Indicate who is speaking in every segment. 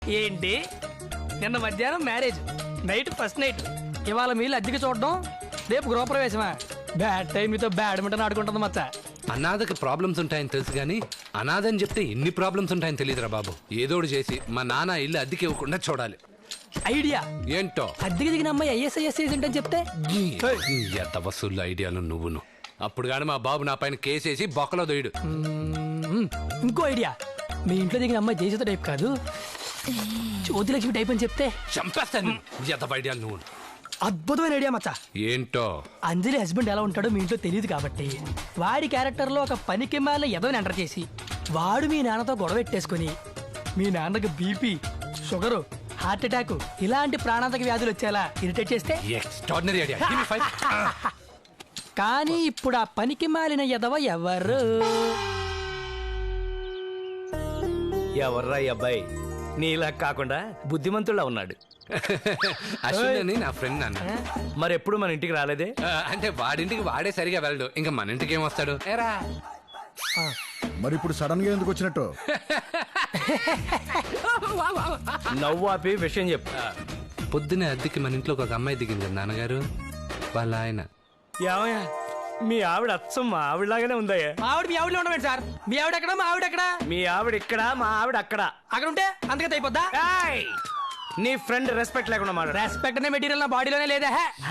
Speaker 1: ఏంటి నిన్న మధ్యాహ్నం మ్యారేజ్, నైట్ ఫస్ట్ నైట్, ఇవాళ మీళ్ళు అద్దెకి చూడడం, రేపు గృహప్రవేశమా? బ్యాడ్ టైం మీతో బ్యాడ్మింటన్ ఆడుకుంటుంది మచ్చ.
Speaker 2: అనాథకి ప్రాబ్లమ్స్ ఉంటాయని తెలుసు కానీ అనాథని చెప్తే ఇన్ని ప్రాబ్లమ్స్ ఉంటాయని తెలియదురా బాబు. ఏదోడు చేసి మా నాన్న ఇల్లు అద్దెకి ఇవ్వకుండా చూడాలి.
Speaker 1: ఐడియా
Speaker 2: ఏంటో
Speaker 1: అద్దెకి దిగిన అమ్మాయి ఐఎస్ఐఎస్ ఏజెంట్ అని చెప్తే
Speaker 2: ఎంత వసూళ్ళు ఐడియాలు నువ్వును. అప్పుడు కానీ మా బాబు నా పైన కేసేసి బొక్కలో దొయ్యడు.
Speaker 1: ఇంకో ఐడియా, మీ ఇంట్లో దిగిన అమ్మాయి జయసుధ టైప్ కాదు, జ్యోతిలక్ష్మి టైప్ అని చెప్తే
Speaker 2: చంపేస్తాను. ఎంత ఐడియాలు నువ్వు.
Speaker 1: అద్భుతమైన ఐడియా మచ్చా.
Speaker 2: ఏంటో
Speaker 1: అంజలి హస్బెండ్ ఎలా ఉంటాడో మీ ఇంట్లో తెలియదు కాబట్టి వాడి క్యారెక్టర్ లో ఒక పనికి మాలిన ఎదవని ఎంటర్ చేసి వాడు మీ నాన్నతో గొడవ పెట్టేసుకుని మీ నాన్నకి బీపీ, షుగరు, హార్ట్ అటాక్ ఇలాంటి ప్రాణాంతక వ్యాధులు వచ్చేలా ఇరిటేట్ చేస్తే
Speaker 2: ఎక్స్ట్రాడినరీ ఐడియా.
Speaker 1: కానీ ఇప్పుడు ఆ పనికి మాలిన ఎదవ ఎవరు?
Speaker 3: ఎవర్రా ఈ అబ్బాయి? నీలా కాకుండా బుద్ధిమంతుల్లా ఉన్నాడు.
Speaker 2: అశ్విన్ అని నా ఫ్రెండ్ అన్న.
Speaker 3: మరెప్పుడు మన ఇంటికి రాలేదే?
Speaker 2: అంటే వాడింటికి వాడే సరిగా వెళ్ళడు, ఇంకా మన ఇంటికి ఏం వస్తాడు? ఏరా
Speaker 4: మరి ఇప్పుడు సడన్ గా ఎందుకు వచ్చినట్టు?
Speaker 3: నవ్వు ఆపి విషయం చెప్పు.
Speaker 2: పొద్దునే అద్దెకి మన ఇంట్లో ఒక అమ్మాయి దిగింది నాన్నగారు వాళ్ళ ఆయన.
Speaker 3: ఏమయ్యా, మీ ఆవిడ అచ్చం మా ఆవిడలాగానే ఉందయ్యా.
Speaker 1: మా ఆవిడ మీ ఆవిడలో ఉండమేంటి సార్? మీ ఆవిడ ఎక్కడ, మా ఆవిడ ఎక్కడ?
Speaker 3: మీ ఆవిడ ఇక్కడ, మా ఆవిడ అక్కడ.
Speaker 1: అక్కడ ఉంటే అంతగా అయిపోద్దా?
Speaker 3: ఏయ్! నీ ఫ్రెండ్ రెస్పెక్ట్ లేకుండా మాట.
Speaker 1: రెస్పెక్ట్ అనే మెటీరియల్ నా బాడీలోనే లేదా?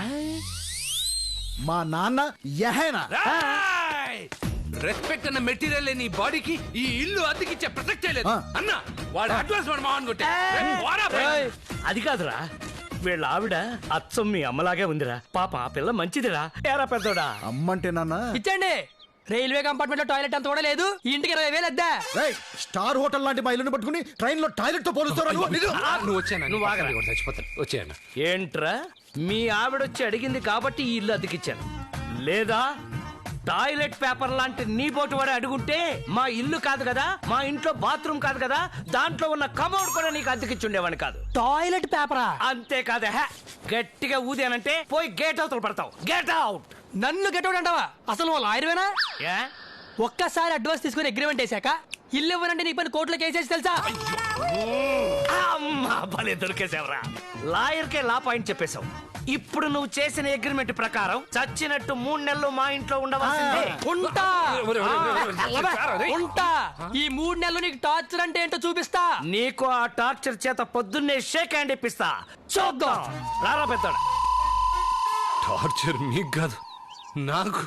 Speaker 4: మా నాన్న యహేనా?
Speaker 2: రెస్పెక్ట్ అన్న మెటీరియల్ నీ బాడీకి ఈ ఇల్లు అద్దెకిచ్చే ప్రసక్తే లేదు అన్న. వాడు అడ్వాన్స్ వాడు మావన్ కొట్టే.
Speaker 3: అది కాదురా, వీళ్ళ ఆవిడ అచ్చం మీ అమ్మలాగే ఉందిరా. పాప ఆ పిల్ల మంచిదిరా. ఏరా పెద్దోడా?
Speaker 4: అమ్మంటే నాన్న
Speaker 1: ఇచ్చండి. రైల్వే కంపార్ట్మెంట్ లో టాయిలెట్ అంత కూడా లేదు, ఈ ఇంటికి 20,000 అద్దా.
Speaker 4: స్టార్ హోటల్ లాంటి మా ఇల్లుని పట్టుకుని ట్రైన్ లో టాయిలెట్ తో పోలుస్తారా?
Speaker 2: నువ్వు వచ్చాను, నువ్వు ఆగరా, చచ్చిపోతాను. వచ్చాను.
Speaker 3: ఏంట్రా, మీ ఆవిడొచ్చి అడిగింది కాబట్టి ఈ ఇల్లు అద్దెకిచ్చాను. లేదా టాయిలెట్ పేపర్ లాంటి నీ బోటు వాడు అడుగుంటే మా ఇల్లు కాదు కదా, మా ఇంట్లో బాత్రూమ్ కాదు కదా, దాంట్లో ఉన్న కమోడ్ కూడా నీకు అద్దెకిచ్చుండేవాడిని కాదు.
Speaker 1: టాయిలెట్ పేపరా?
Speaker 3: అంతేకాదే, గట్టిగా ఊదానంటే పోయి గేట్ అవుతలు పడతావు. Gate out.
Speaker 1: నన్ను గెటౌట్ అంటావా? అసలు వాళ్ళు ఆయుర్వేనా?
Speaker 3: ఏ?
Speaker 1: ఒక్కసారి అడ్వాన్స్ తీసుకుని అగ్రిమెంట్ వేసాక ఇల్లు ఇవ్వనంటే నీ పని కోర్టులో కేసేసి తెలుసా?
Speaker 3: అమ్మా, భలే దొరికేసావరా. లాయర్కే లా పాయింట్ చెప్పేశావు. ఇప్పుడు నువ్వు చేసిన అగ్రిమెంట్ ప్రకారం చచ్చినట్టు 3 నెలలు మా ఇంట్లో ఉండవలసిందే.
Speaker 1: ఉంటా ఉంటా. ఈ 3 నెలలు నీకు టార్చర్ అంటే ఏంటో చూపిస్తా.
Speaker 3: నీకు ఆ టార్చర్ చేత పొద్దున్నే షేక్ హ్యాండ్ ఇప్పిస్తా. చూద్దాం. రారా పెద్దోడా.
Speaker 2: టార్చర్ మీకు కాదు నాకు.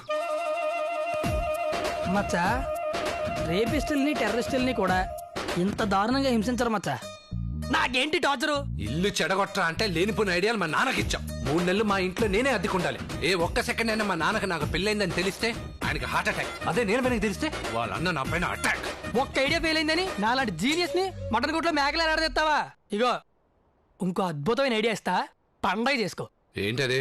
Speaker 1: మచ్చా, రేపిస్టుల్ని టెర్రరిస్టుల్ని కూడా ఇంత దారుణంగా హింసించరు మచ్చా. నాకేంటి టార్చరు?
Speaker 2: ఇల్లు చెడగొట్టా అంటే లేనిపోయిన ఐడియాలు మా నాన్నకి ఇచ్చాం. 3 నెలలు మా ఇంట్లో నేనే అద్దెకుండాలి. ఏ ఒక్క సెకండ్ అయినా మా నాన్నకి నాకు పెళ్ళైందని తెలిస్తే ఆయనకి హార్ట్ అటాక్. అదే నేను వెనక్కి తెలిస్తే వాళ్ళ అన్న నా పైన అటాక్.
Speaker 1: ఒక్క ఐడియా ఫెయిల్ అయిందని నాలాంటి జీనియస్ ని మటన్ గుట్లో మేకలు ఆడదెత్తావా? ఇగో ఇంకో అద్భుతమైన ఐడియా ఇస్తా, పండగ చేసుకో.
Speaker 2: ఏంటది?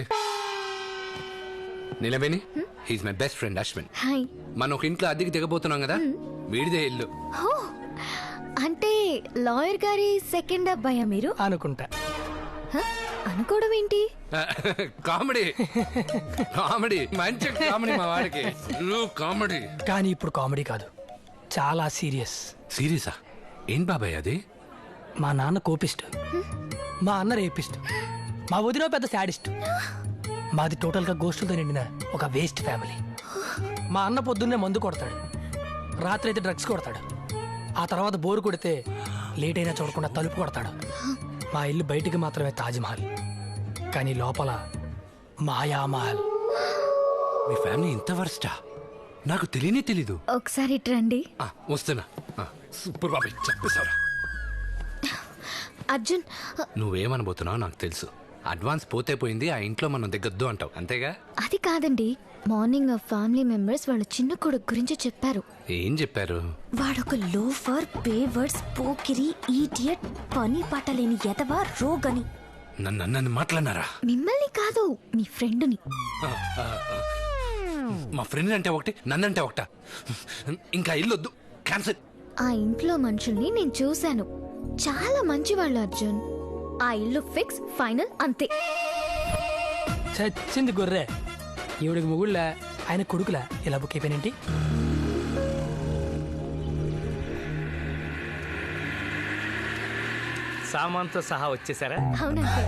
Speaker 2: నిలబెని he's my best friend Ashwin.
Speaker 5: Hi.
Speaker 2: మనం ఒక ఇంట్లో అద్దెకి దిగబోతున్నాం కదా, వీడిదే ఇల్లు.
Speaker 5: అంటే లాయర్ గారి సెకండ్ అబ్బాయా మీరు?
Speaker 1: అనుకుంటా.
Speaker 5: అనుకోవడం ఏంటి?
Speaker 2: కామెడీ కామెడీ, మంచి కామెడీ మా వాడికి. కామెడీ.
Speaker 1: కానీ ఇప్పుడు కామెడీ కాదు, చాలా సీరియస్.
Speaker 2: సీరియసా? ఏం బాబాయ్ అది?
Speaker 1: మా నాన్న కోపిస్ట్, మా అన్న రేపిస్ట్, మా వదిన పెద్ద శాడిస్ట్, మాది టోటల్ గా గోష్ఠులతో నిండిన ఒక వేస్ట్ ఫ్యామిలీ. మా అన్న పొద్దున్నే మందు కొడతాడు, రాత్రి అయితే డ్రగ్స్ కొడతాడు, ఆ తర్వాత బోరు కొడితే లేట్ అయినా చూడకుండా తలుపు కొడతాడు. మా ఇల్లు బయటికి మాత్రమే తాజ్మహల్, కానీ లోపల మాయామహల్.
Speaker 2: మీ ఫ్యామిలీ ఇంత వర్స్టా? నాకు తెలియనే తెలీదు.
Speaker 5: ఒకసారి రండి.
Speaker 2: వస్తున్నా. సూపర్ బాబాయ్, చెప్పేశారా?
Speaker 5: అర్జున్,
Speaker 2: నువ్వేమనబోతున్నావు నాకు తెలుసు. అడ్వాన్స్ పోతే పోయింది, ఆ ఇంట్లో మనం దిగొద్దు అంటావు అంతేగా?
Speaker 5: అది కాదండి, మార్నింగ్ ఆ ఫ్యామిలీ మెంబర్స్ వాళ్ళ చిన్న కొడుకు గురించి చెప్పారు.
Speaker 2: ఏం చెప్పారు?
Speaker 5: వాడొక లోఫర్, పేవర్స్, పోకిరి, ఈడియట్, పని పట్టలేని ఎదవా, రోగని.
Speaker 2: నన్ను మాట్లాడినారా?
Speaker 5: మిమ్మల్ని కాదు, మీ ఫ్రెండ్ని.
Speaker 2: మా ఫ్రెండ్ అంటే ఒకటి, నన్నంటే ఒకట. ఇంకా ఇల్లొద్దు, క్యాన్సిల్.
Speaker 5: ఆ ఇంట్లో మనుషుల్ని నేను చూశాను, చాలా మంచివాళ్ళు అర్జున్. ఆ ఇల్లు ఫిక్స్, ఫైనల్, అంతే.
Speaker 1: చచ్చింది గొర్రె. ఈవిడికి ముగుళ్ళ, ఆయన కొడుకులా ఇలా బుక్ అయిపోయినంటి.
Speaker 3: సామాన్తో సహా వచ్చేసారా?
Speaker 5: అవునండి.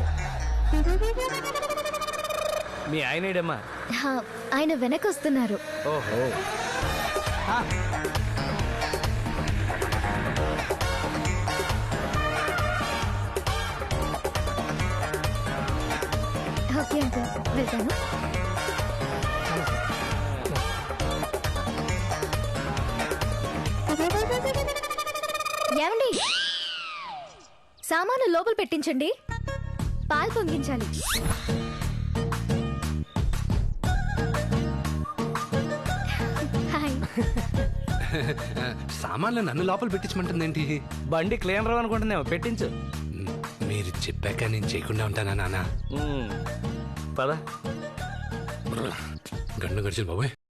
Speaker 3: మీ ఆయనేడమ్మా?
Speaker 5: ఆయన వెనక వస్తున్నారు.
Speaker 3: ఓహో.
Speaker 5: ఓకే అంకుల్, వెళ్తాను. ఏమండి, సామాను లోపల పెట్టించండి. పాలు పొంగించాలి. హాయ్.
Speaker 2: సామాన్లు నన్ను లోపల పెట్టించమంటుందేంటి?
Speaker 3: బండి క్లీనర్ అనుకుంటుందేమో, పెట్టించు.
Speaker 2: మీరు చెప్పాక నేను చేయకుండా ఉంటానా నాన్న?
Speaker 3: పద.
Speaker 2: గండు గడిచిన బాబోయ్.